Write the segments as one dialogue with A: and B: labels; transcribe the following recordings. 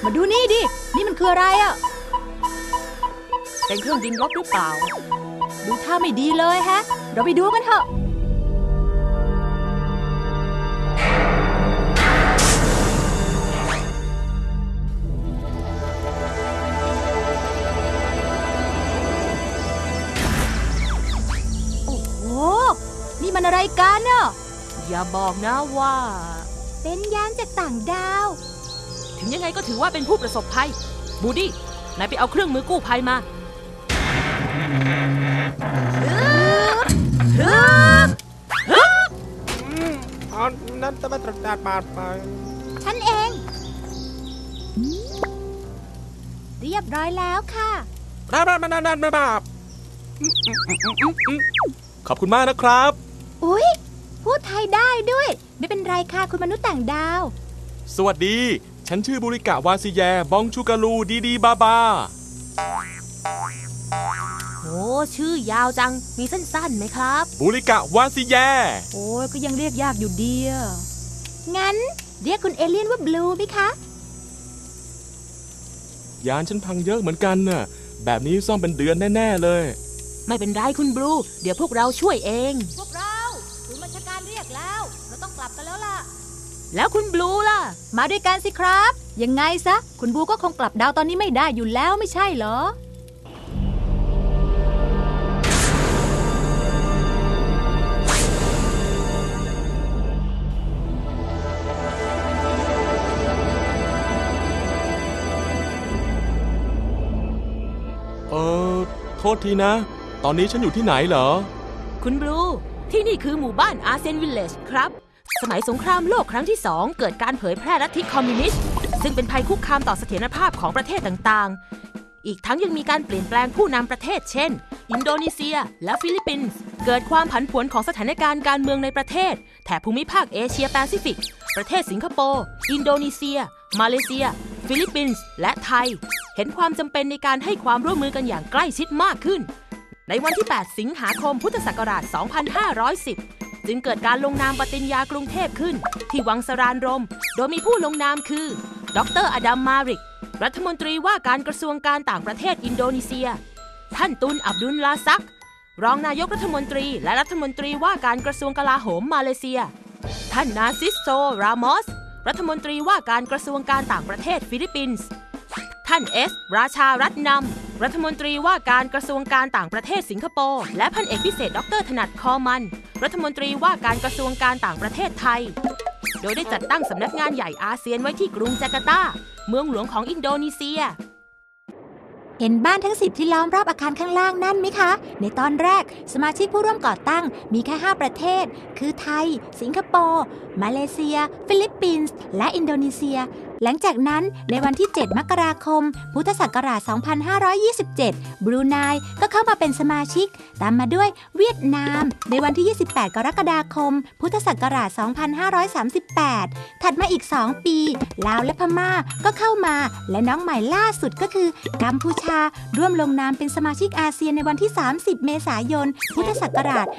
A: มาดูนี่ดินี่มันคืออะไรอ่ะ
B: เป็นเครื่องบินรบหรือเปล่า
A: ดูท่าไม่ดีเลยฮะเราไปดูกันเถอะโอ้โหนี่มันอะไรกันเนาะ
B: อย่าบอกนะว่า
A: เป็นยานจากต่างดาว
B: ถึงยังไงก็ถือว่าเป็นผู้ประสบภัยบูดี้นายไปเอาเครื่องมือกู้ภัยมา
C: นั้นจะมาตรการบาดไป
A: ฉันเองเรียบร้อยแล้วค่ะ
C: ขอบคุณมากนะครับ
A: อุ๊ยพูดไทยได้ด้วยไม่เป็นไรค่ะคุณมนุษย์ต่างดาว
C: สวัสดีฉันชื่อบุริกะวาซิแยบองชูกาลูดีบาบา
B: โอ้ชื่อยาวจังมีสั้นๆไหมครับ
C: บุริกะวาซิแย
A: โอ้ยก็ยังเรียกยากอยู่ดีงั้นเรียกคุณเอเลี่ยนว่าบลูไหมคะ
C: ยานฉันพังเยอะเหมือนกันน่ะแบบนี้ซ่อมเป็นเดือนแน่ๆเลย
B: ไม่เป็นไรคุณบลูเดี๋ยวพวกเราช่วยเอง
A: พวกเราศูนย์บัญชาการเรียกแล้วเราต้องกลับกันแล้วล่ะ
B: แล้วคุณบลูล่ะ
A: มาด้วยกันสิครับยังไงซะคุณบลูก็คงกลับดาวตอนนี้ไม่ได้อยู่แล้วไม่ใช่เหรอ
C: โทษทีนะตอนนี้ฉันอยู่ที่ไหนเหรอ
B: คุณบลูที่นี่คือหมู่บ้านอาร์เซนวิลเลจครับสมัยสงครามโลกครั้งที่2เกิดการเผยแพร่ลัทธิคอมมิวนิสต์ซึ่งเป็นภัยคุกคามต่อเสถียรภาพของประเทศต่างๆอีกทั้งยังมีการเปลี่ยนแปลงผู้นำประเทศเช่นอินโดนีเซียและฟิลิปปินส์เกิดความผันผวนของสถานการณ์การเมืองในประเทศแถบภูมิภาคเอเชียแปซิฟิกประเทศสิงคโปร์อินโดนีเซียมาเลเซียฟิลิปปินส์และไทยเห็นความจำเป็นในการให้ความร่วมมือกันอย่างใกล้ชิดมากขึ้นในวันที่ 8 สิงหาคม พุทธศักราช 2510 จึงเกิดการลงนามปฏิญญากรุงเทพขึ้นที่วังสรานรมโดยมีผู้ลงนามคือดร.อดัม มาริกรัฐมนตรีว่าการกระทรวงการต่างประเทศอินโดนีเซียท่านตุน อับดุลลาซักรองนายกรัฐมนตรีและรัฐมนตรีว่าการกระทรวงกลาโหมมาเลเซียท่านนาซิสโซ รามอสรัฐมนตรีว่าการกระทรวงการต่างประเทศฟิลิปปินส์ท่านเอสราชารัตนำรัฐมนตรีว่าการกระทรวงการต่างประเทศสิงคโปร์และพันเอกพิเศษดร.ถนัดคอมันรัฐมนตรีว่าการกระทรวงการต่างประเทศไทยโดยได้จัดตั้งสำนักงานใหญ่อาเซียนไว้ที่กรุงจาการ์ตาเมืองหลวงของอินโดนีเซีย
A: เห็นบ้านทั้ง10ที่ล้อมรอบอาคารข้างล่างนั่นไหมคะในตอนแรกสมาชิกผู้ร่วมก่อตั้งมีแค่5ประเทศคือไทยสิงคโปร์มาเลเซียฟิลิปปินส์และอินโดนีเซียหลังจากนั้นในวันที่7มกราคมพุทธศักราช2527บรูไนก็เข้ามาเป็นสมาชิกตามมาด้วยเวียดนามในวันที่28กรกฎาคมพุทธศักราช2538ถัดมาอีก2ปีลาวและพม่าก็เข้ามาและน้องใหม่ล่าสุดก็คือกัมพูชาร่วมลงนามเป็นสมาชิกอาเซียนในวันที่30เมษายนพุทธศักราช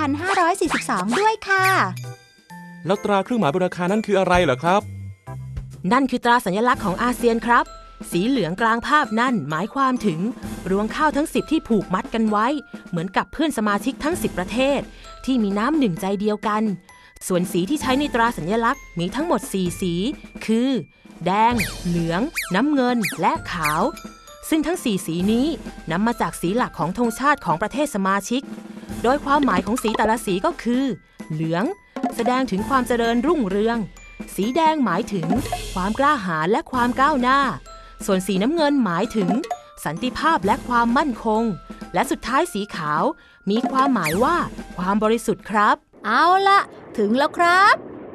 A: 2542ด้วยค่ะ
C: แล้วตราเครื่องหมายบนอาคารนั่นคืออะไรเหรอครับ
B: นั่นคือตราสัญลักษณ์ของอาเซียนครับสีเหลืองกลางภาพนั่นหมายความถึงรวงข้าวทั้ง10ที่ผูกมัดกันไว้เหมือนกับเพื่อนสมาชิกทั้ง10ประเทศที่มีน้ำหนึ่งใจเดียวกันส่วนสีที่ใช้ในตราสัญลักษณ์มีทั้งหมด4สีคือแดงเหลืองน้ำเงินและขาวซึ่งทั้ง4สีนี้นำมาจากสีหลักของธงชาติของประเทศสมาชิกโดยความหมายของสีแต่ละสีก็คือเหลืองแสดงถึงความเจริญรุ่งเรืองสีแดงหมายถึงความกล้าหาญและความก้าวหน้าส่วนสีน้ำเงินหมายถึงสันติภาพและความมั่นคงและสุดท้ายสีขาวมีความหมายว่าความบริสุทธิ์ครับ
A: เอาละถึงแล้วครับ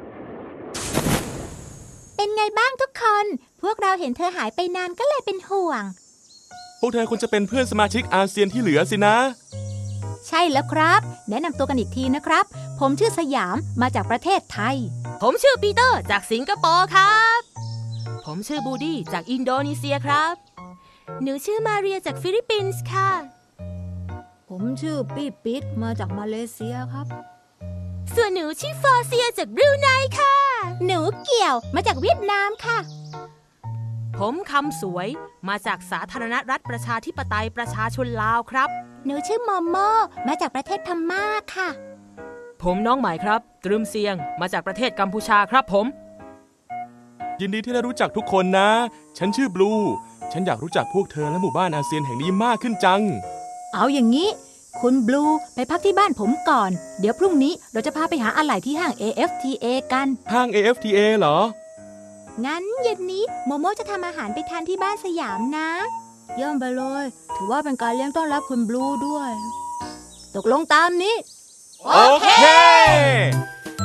A: เป็นไงบ้างทุกคนพวกเราเห็นเธอหายไปนานก็เลยเป็นห่วง
C: พวกเธอควรจะเป็นเพื่อนสมาชิกอาเซียนที่เหลือสินะ
A: ใช่แล้วครับแนะนำตัวกันอีกทีนะครับผมชื่อสยามมาจากประเทศไทย
B: ผมชื่อปีเตอร์จากสิงคโปร์ครับผมชื่อบูดี้จากอินโดนีเซียครับหนูชื่อมาเรียจากฟิลิปปินส์ค่ะ
A: ผมชื่อปี้ปิ๊ดมาจากมาเลเซียครับ
B: ส่วนหนูชื่อฟอร์เซียจากบรูไนค่ะ
A: หนูเกี่ยวมาจากเวียดนามค่ะ
B: ผมคำสวยมาจากสาธารณรัฐประชาธิปไตยประชาชนลาวครับ
A: หนูชื่อโมโมมาจากประเทศพม่าค่ะ
B: ผมน้องใหม่ครับตรึมเซียงมาจากประเทศกัมพูชาครับผม
C: ยินดีที่ได้รู้จักทุกคนนะ ฉันชื่อบลู ฉันอยากรู้จักพวกเธอและหมู่บ้านอาเซียนแห่งนี้มากขึ้นจัง
A: เอาอย่างนี้ คุณบลูไปพักที่บ้านผมก่อน เดี๋ยวพรุ่งนี้เราจะพาไปหาอะไหล่ที่ห้าง AFTA กัน
C: ห้าง AFTA เหรอ
A: งั้นเย็นนี้โมโมจะทำอาหารไปทานที่บ้านสยามนะ เยี่ยมไปเลย ถือว่าเป็นการเลี้ยงต้อนรับคุณบลูด้วย ตกลงตามนี้
C: โอเค